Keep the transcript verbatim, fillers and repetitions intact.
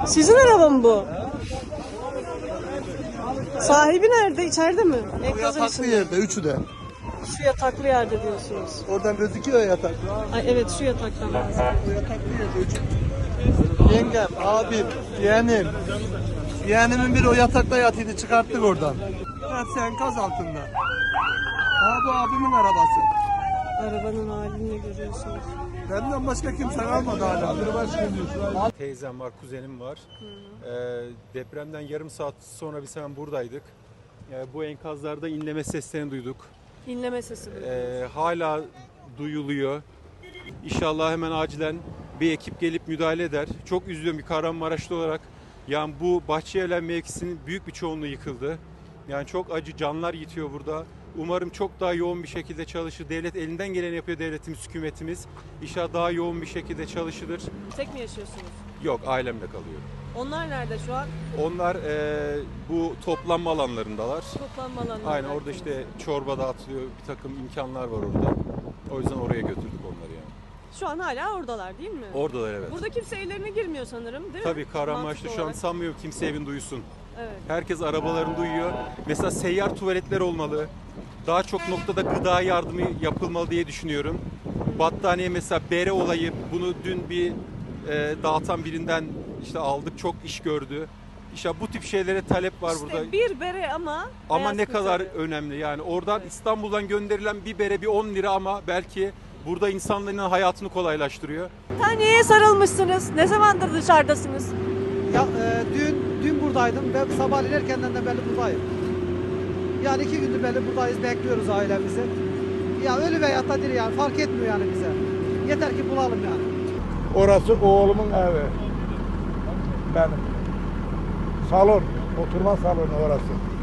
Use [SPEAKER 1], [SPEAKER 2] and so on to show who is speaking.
[SPEAKER 1] Sizin araba mı bu? Sahibi nerede? İçeride mi?
[SPEAKER 2] O
[SPEAKER 1] Enkazın
[SPEAKER 2] yataklı
[SPEAKER 1] içinde.
[SPEAKER 2] yerde, üçü de.
[SPEAKER 1] Şu yataklı yerde diyorsunuz.
[SPEAKER 2] Oradan gözüküyor ya yatak.
[SPEAKER 1] Ay evet, şu yataktan bahsediyorum.
[SPEAKER 2] O yataklı yerde, üçü. Yengem, abim, yeğenim. Yeğenimin biri o yatakta yatıydı, çıkarttık oradan. Hepsi enkaz altında. Aa, bu abimin arabası.
[SPEAKER 1] Arabanın halini görüyorsunuz.
[SPEAKER 2] Benden başka kimse kalmadı hala.
[SPEAKER 3] Teyzem var, kuzenim var. Ee, depremden yarım saat sonra biz hemen buradaydık. Ee, bu enkazlarda inleme seslerini duyduk.
[SPEAKER 1] İnleme sesi bu.
[SPEAKER 3] Ee, hala duyuluyor. İnşallah hemen acilen bir ekip gelip müdahale eder. Çok üzülüyorum bir Kahramanmaraşlı olarak. Yani bu Bahçelievler mevkisinin büyük bir çoğunluğu yıkıldı. Yani çok acı canlar yitiyor burada. Umarım çok daha yoğun bir şekilde çalışır. Devlet elinden geleni yapıyor, devletimiz, hükümetimiz. İnşallah daha yoğun bir şekilde çalışılır.
[SPEAKER 1] Tek mi yaşıyorsunuz?
[SPEAKER 3] Yok, ailemle kalıyor.
[SPEAKER 1] Onlar nerede şu an?
[SPEAKER 3] Onlar e, bu toplanma alanlarındalar.
[SPEAKER 1] Toplanma alanlarında.
[SPEAKER 3] Aynen, orada işte çorba dağıtılıyor, bir takım imkanlar var orada. O yüzden oraya götürdük onları yani.
[SPEAKER 1] Şu an hala oradalar değil mi?
[SPEAKER 3] Oradalar, evet.
[SPEAKER 1] Burada kimse evlerine girmiyor sanırım, değil mi?
[SPEAKER 3] Tabii Kahramanmaraş'ta
[SPEAKER 1] Mantıklı
[SPEAKER 3] şu an
[SPEAKER 1] olarak.
[SPEAKER 3] sanmıyorum kimse evin duysun.
[SPEAKER 1] Evet.
[SPEAKER 3] Herkes arabalarını duyuyor. Mesela seyyar tuvaletler olmalı. Daha çok noktada gıda yardımı yapılmalı diye düşünüyorum. Battaniye mesela bere olayı, bunu dün bir e, dağıtan birinden işte aldık, çok iş gördü. İşte bu tip şeylere talep var
[SPEAKER 1] İşte
[SPEAKER 3] burada.
[SPEAKER 1] bir bere ama
[SPEAKER 3] Ama
[SPEAKER 1] hayat
[SPEAKER 3] ne kadar
[SPEAKER 1] kurtarıyor.
[SPEAKER 3] önemli yani oradan
[SPEAKER 1] Evet.
[SPEAKER 3] İstanbul'dan gönderilen bir bere bir on lira ama belki burada insanların hayatını kolaylaştırıyor.
[SPEAKER 1] Taneye sarılmışsınız. Ne zamandır dışarıdasınız?
[SPEAKER 4] Ya e, dün dün buradaydım. Ben sabahleyin erkenden de belli buradayım. Yani iki gündür belli buradayız, bekliyoruz ailemizi. Ya ölü veya da diri yani fark etmiyor yani bize. Yeter ki bulalım yani.
[SPEAKER 5] Orası oğlumun evi. Benim. Salon, oturma salonu orası.